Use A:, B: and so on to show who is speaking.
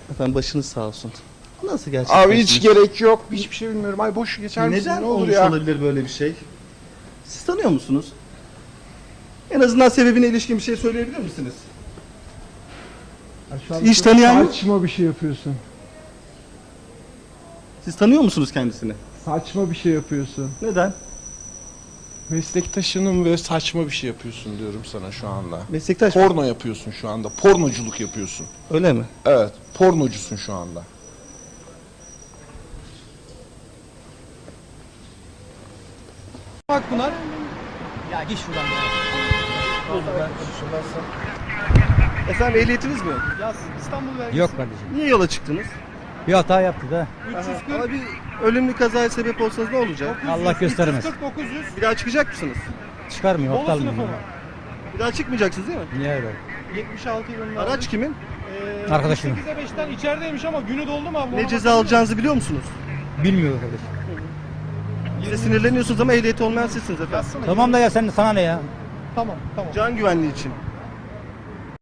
A: Efendim başınız sağ olsun. Nasıl gerçekten?
B: Abi hiç gerek yok. Hiçbir şey bilmiyorum. Ay boş geçer misin?
A: Neden
B: Ne olur
A: olmuş
B: ya?
A: olabilir böyle bir şey? Siz tanıyor musunuz? En azından sebebine ilişkin bir şey söyleyebilir misiniz?
C: Ya şu an
A: Hiç tanıyan yok.
C: saçma bir şey yapıyorsun.
A: Siz tanıyor musunuz kendisini?
C: Saçma bir şey yapıyorsun.
A: Neden?
B: Meslektaşının ve saçma bir şey yapıyorsun diyorum sana şu anda.
A: Meslektaş.
B: Porno yapıyorsun şu anda. Pornoculuk yapıyorsun.
A: Öyle mi?
B: Evet. Pornocusun şu anda.
D: Akpınar. Ya git şuradan ya.
A: Efendim ehliyetiniz mi yok?
D: Ya İstanbul vergisi.
E: Yok kardeşim.
A: Niye yola çıktınız?
E: Bir hata yaptı da.
D: 340.
A: Ama bir ölümlü kazaya sebep olsanız ne olacak?
E: Allah göstermez.
D: 340 900.
A: Bir daha çıkacak mısınız?
E: Çıkarmıyor,
D: Bolu
E: aptal
D: sınıfı
E: mıyım?
D: mı?
A: Bir daha çıkmayacaksınız değil mi?
E: Niye öyle?
D: 76 yılında.
A: Araç kimin?
E: Arkadaşım.
D: 8'e 5'ten içerideymiş ama günü doldu mu abi?
A: Ne ceza alacağınızı biliyor musunuz?
E: Bilmiyor kardeşim.
A: Size sinirleniyorsunuz ama ehliyeti olmayan sizsiniz efendim.
D: Yazsana.
E: Tamam da ya sen sana ne ya?
D: Tamam tamam.
A: Can güvenliği için.